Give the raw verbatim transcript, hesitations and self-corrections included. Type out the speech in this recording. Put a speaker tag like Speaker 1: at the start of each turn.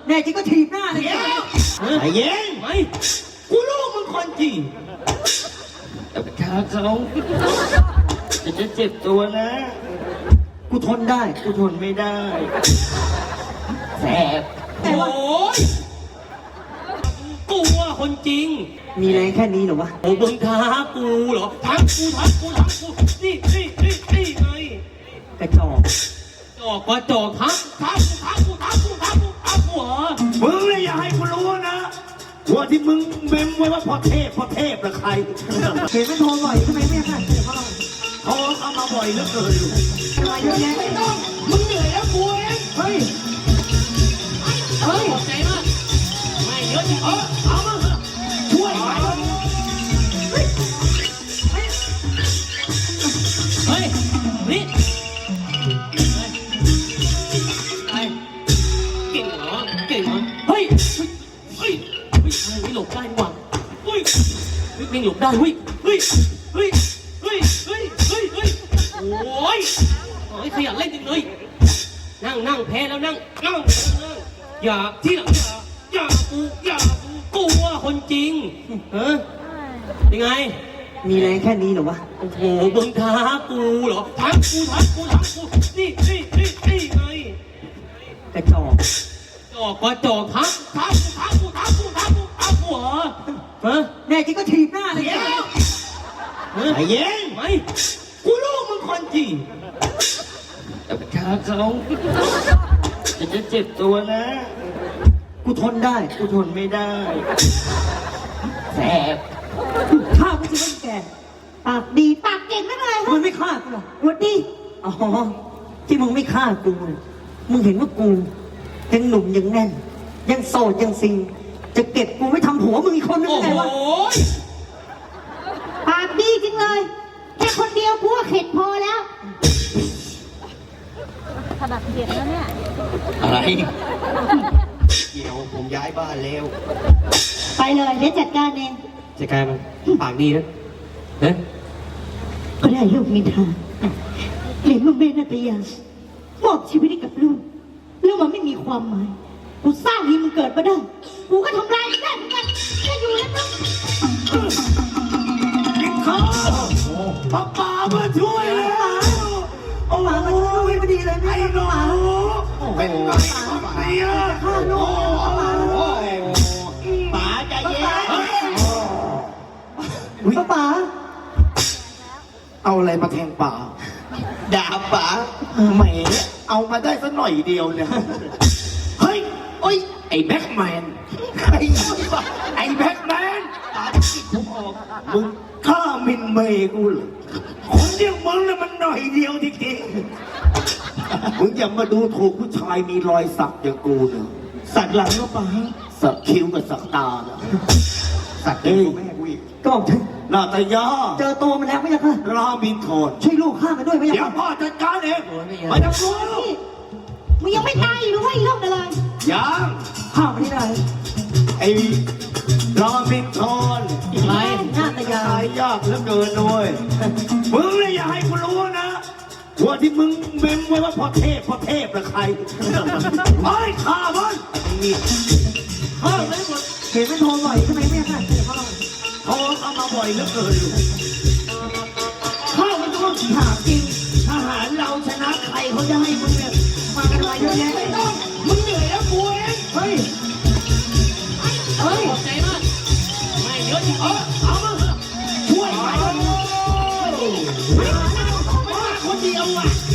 Speaker 1: แน่จริงก็ถีบหน้าเลย
Speaker 2: เดี๋ยวไอ้เย็นไม่กูรู้มึงคนจริงแต่ประชาเขาจะจะเจ็บตัวนะ
Speaker 1: กูทนได้
Speaker 2: กูทนไม่ได้แสบ
Speaker 1: แต่ว่า
Speaker 3: โอ้ยกูว่าคนจริง
Speaker 1: มีแรงแค่นี้เหรอวะ
Speaker 3: โอ้มึงท้ากูเหรอท้ากูท้ากูท้ากูนี่นี่นี่นี่ไง
Speaker 1: กระจอก
Speaker 3: จอกว่าจอกท้าท้ากูท้ากูท้ากูท้ากูท้ากูเหรอ
Speaker 2: มึงเลยอย่าให้กูรู้นะว่าที่มึงเมมไว้ว่าพ่อเทพพ่อเทพละใคร
Speaker 1: เห็นมันโทรบ่อยทำไมไม่ค่ะเดี๋ยวเขาลอง
Speaker 2: โทรเข้ามาบ่อยเหลือเกิน
Speaker 1: ทำไมเยอะแยะ
Speaker 2: ไม่ต้องมึงเหนื่อยแล้วกูเอง
Speaker 1: เฮ้ย
Speaker 3: เฮ้ยขอบใจมากไม่เยอะจริง
Speaker 2: เออเอามาเถอะช่วยหน่อย
Speaker 3: เฮ้ยนี่ไอ้เก่งเหรอเก่งเหรอเฮ้ยเฮ้ยเฮ้ยเฮ้ยไม่หลบได้ดีกว่าเฮ้ยเฮ้ยไม่หลบได้เฮ้ยเฮ้ยเฮ้ยเฮ้ยเฮ้ยเฮ้ยเฮ้ยโอ้ยโอ้ยขยันเล่นจริงเลยนั่งนั่งแพ้แล้วนั่งนั่งนั่งอย่าที่หลังอย่าอย่ากูอย่ากูกูว่าคนจริงเออยังไง
Speaker 1: มีแรงแค่นี้เหรอวะ
Speaker 3: โอ้โหมึงท้ากูเหรอท้ากูท้ากูท้ากูนี่นี่นี่นี่ไง
Speaker 1: กระจอก
Speaker 3: จอกว่าจอกท้าท้ากูท้ากูท้ากูท้ากูท้ากูเหรอฮะ
Speaker 1: แน่จริงก็ถีบหน้าเลย
Speaker 2: เดี๋ยว
Speaker 3: ฮะ
Speaker 2: ไอ้เย็น
Speaker 3: ไม่
Speaker 2: กูรู้มึงคนจริงแต่ประชาเขาจะจะเจ็บตัวนะ
Speaker 1: กูทนได้
Speaker 2: กูทนไม่ได้แสบ
Speaker 1: ฆ่ากูสิว่าแกปากดีปากเก่งไม่เป็นไรมึงไม่ฆ่ากูหรอวัดดีอ๋อที่มึงไม่ฆ่ากูเนี่ยมึงเห็นว่ากูยังหนุ่มยังแน่น ยังโสดยังซิงจะเก็บกูไม่ทำหัวมึงอีกคนนึง
Speaker 3: โอ้
Speaker 1: ไง
Speaker 3: โห
Speaker 1: วะ
Speaker 4: ปากดีจริงเลย แค่คนเดียวกูก็เข็ดพอแล้ว
Speaker 5: ขนาดเด็กแล้วเนี่ย
Speaker 2: อะไรเดี๋ยวผมย้ายบ้านแล้ว
Speaker 4: ไปเลยเดี๋ยวจัดการเอง
Speaker 3: จะกลายมันปากดีนะเฮ้ย
Speaker 4: ก็ได้ลูกมินทาเห็นว่าแม่นาตยามอบชีวิตให้กับลูกแล้วมันไม่มีความหมายกูสร้างให้มันเกิดมาได้กูก็ทำลายมันได้เหมือนกันแค่อยู่แล้วต้อง
Speaker 2: กินข้าวป้าป๋ามาช่วยแล้วโอ้โหไม่ดีเลยไอ้หนูเป็นไงเนี่ยโอ้โหป๋าใจเย็น
Speaker 1: ป้าป๋า
Speaker 2: เอาอะไรมาแทงป๋าด่าป๋าแหมเอามาได้สักหน่อยเดียวเนี่ยเฮ้ยโอ้ยไอ้แบ็คแมนไอ้ไอ้แบ็คแมนป๋าจิกผมออกมึงฆ่ามินเมย์กูเหรอคนเดียวมึงเนี่ยมันหน่อยเดียวจริงๆมึงอย่ามาดูถูกผู้ชายมีรอยสักอย่างกูเนอะสักหลังก็ป๋าสักคิ้วกับสักตาเนอะสักเอ้ยแม่กูอีก
Speaker 1: ก็บอกฉัน
Speaker 2: นาตยา
Speaker 1: เจอตัวมันแล้วไม่ใช่ค่ะ
Speaker 2: รามินทอน
Speaker 1: ช่วยลูกฆ่ามันด้วยไม่ใช่
Speaker 2: เดี๋ยว
Speaker 1: ค่ะ
Speaker 2: พ่อจัดการเองไม่ต้องกลัว
Speaker 4: นี่มึงยังไม่ตายอีกหรือว่าอีกรอบเดียวเลย
Speaker 2: ยัง
Speaker 1: ฆ่ามันที่ไหน
Speaker 2: ไอ้รามินทอน
Speaker 1: ไรหน้าตายา
Speaker 2: ตายยากเหลือเกินด้วยมึงเลยอย่าให้กูรู้นะว่าที่มึงเมมไว้ว่าพ่อเทพพ่อเทพละใครไอ้ข้ามันนี่ข้าไม่หมด
Speaker 1: เห็นมันโทรบ่อยทำไมไม่ค่ะเดี๋ยวเขาลอง
Speaker 2: โทรเข้ามาบ่อยเหลือเกิน
Speaker 1: ฆ่ามันต้องถามจริง
Speaker 2: ทหารเราชนะใครเขาจะให้มึงเนี่ย
Speaker 1: มากันมาเยอะแยะ
Speaker 2: ไม่ต้องมึงเหนื่อยแล้วกูเอง
Speaker 1: เฮ้ย เฮ้ย
Speaker 3: ขอบใจมากไม่เยอะจริง
Speaker 2: เออเอามาเถอะช่วยหน่อยไม่มาคนเดียวอ่ะ